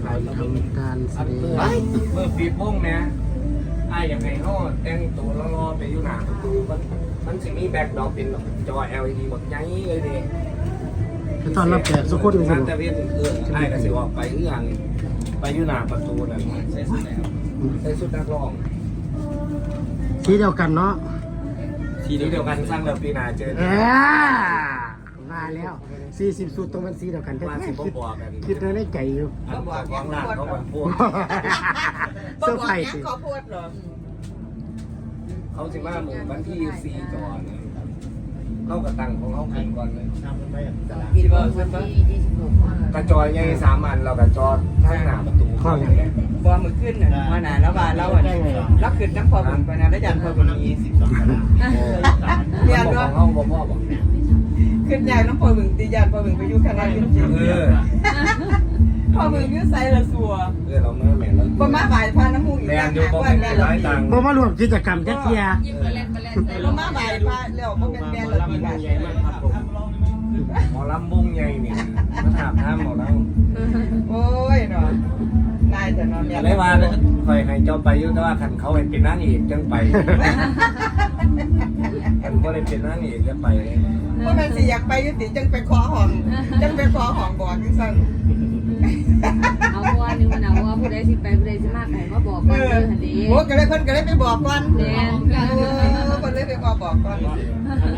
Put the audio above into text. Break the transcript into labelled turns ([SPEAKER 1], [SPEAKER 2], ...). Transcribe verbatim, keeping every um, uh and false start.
[SPEAKER 1] ถ่ายทำการแสดง
[SPEAKER 2] เมื่อปีโป้งนะไอ้อย่างไรเขาแต่งตัวรอๆไปอยู่หน้าประตูมันมันสิมีแบ็คดรอปเป็นจอ แอล อี ดี หมดใหญ่เลยดิ
[SPEAKER 1] คือตอนรับแขกสุขุนสุ
[SPEAKER 2] งาน
[SPEAKER 1] ด
[SPEAKER 2] ตะเวนเออไอ้ก็สิออกไปเอื้องไปอยู่หน้าประตูนั่นใส่สุดแล้วใส่สุดนักร้อง
[SPEAKER 1] สีเดียวกันเนาะ
[SPEAKER 2] ทีนี้เดียวกันสร้างเดี๋ยวปีหน้าเจอ
[SPEAKER 1] เออมาแล้วสี่สิบสุดตรงมันสีเดียวกันแท้
[SPEAKER 2] ว่าสิ
[SPEAKER 1] ๆ
[SPEAKER 2] บ่
[SPEAKER 1] คิด
[SPEAKER 2] บอกกัน
[SPEAKER 1] คิดในใจอยู่
[SPEAKER 2] อันบอกของร้านเขาบอกพวก
[SPEAKER 1] เซอร์ไพรส์สิ
[SPEAKER 3] เขาพูดเหรอ
[SPEAKER 2] เขาสิมาหมู่วันที่สี่จอนะเขากระตังของเขาขึ้นก่อนเลย
[SPEAKER 3] ปีบอลเพิ่นบ่
[SPEAKER 2] กระจอยใหญ่สามอันเรากระจอข้างหน้าประตูเข้าอย่างเงี้ย
[SPEAKER 3] บอลมือขึ้นน่ะว่าน่ะแล้วว่าเราอ่ะเราขึ้นน้ำพอบุญไปนะแล้วยันพอบุญมีสิบสองเรียน
[SPEAKER 2] ข
[SPEAKER 3] ว่า
[SPEAKER 2] องเขาบอกพ่อบอก
[SPEAKER 3] ขึ้นยากน้ำพอบุญตียันพอบุญไปอยู่คณะจริง
[SPEAKER 2] เออ
[SPEAKER 3] ๆพอบุญอยู่ไสละสัว
[SPEAKER 2] เออเราเมื่อแม่แล้ว
[SPEAKER 3] บ่มาบ่ายพาน้ำมูกอีก
[SPEAKER 2] แรงอยู่บ่
[SPEAKER 3] ว่า
[SPEAKER 2] เป็น
[SPEAKER 3] แม่
[SPEAKER 2] ร้อยตังค์
[SPEAKER 1] บ่มารวมกิจกรรมจักเทีย
[SPEAKER 3] บ่มาบ่ายพาแล้วบ่เป็นแม่ละ
[SPEAKER 2] ลำ
[SPEAKER 3] ปี
[SPEAKER 2] บุ
[SPEAKER 3] บาท
[SPEAKER 2] งใหญ่มากครับผมหมอลำบุงใหญ่นี่มาถามท่ามหมอลำ
[SPEAKER 3] โอ้ยเนาะนายจะนอน
[SPEAKER 2] อะไรว่าคอยให้เจ้าไปยุ่แต่ว่าคันเขาให้เป็นนั่งอีกจังไปคันก็เลยเป็นนั่งอีกจะไป
[SPEAKER 3] ว่ามันสิอยากไปยุติจังไปขอห้องจังไปขอห้องบอกจังซั่น
[SPEAKER 4] เอาว่านึงมันเอาว่าผู้ใดสิไปผู้ใดสิมาไก่มาบอก
[SPEAKER 3] เอ
[SPEAKER 4] ก่อน
[SPEAKER 3] อ
[SPEAKER 4] เด้อหั่นเด้
[SPEAKER 3] โอ้ก็เลยเพิ่นก็เลยไปบอกก่อน
[SPEAKER 4] แม่น
[SPEAKER 3] เออเพิ่นเลยไปขอบอกก่อน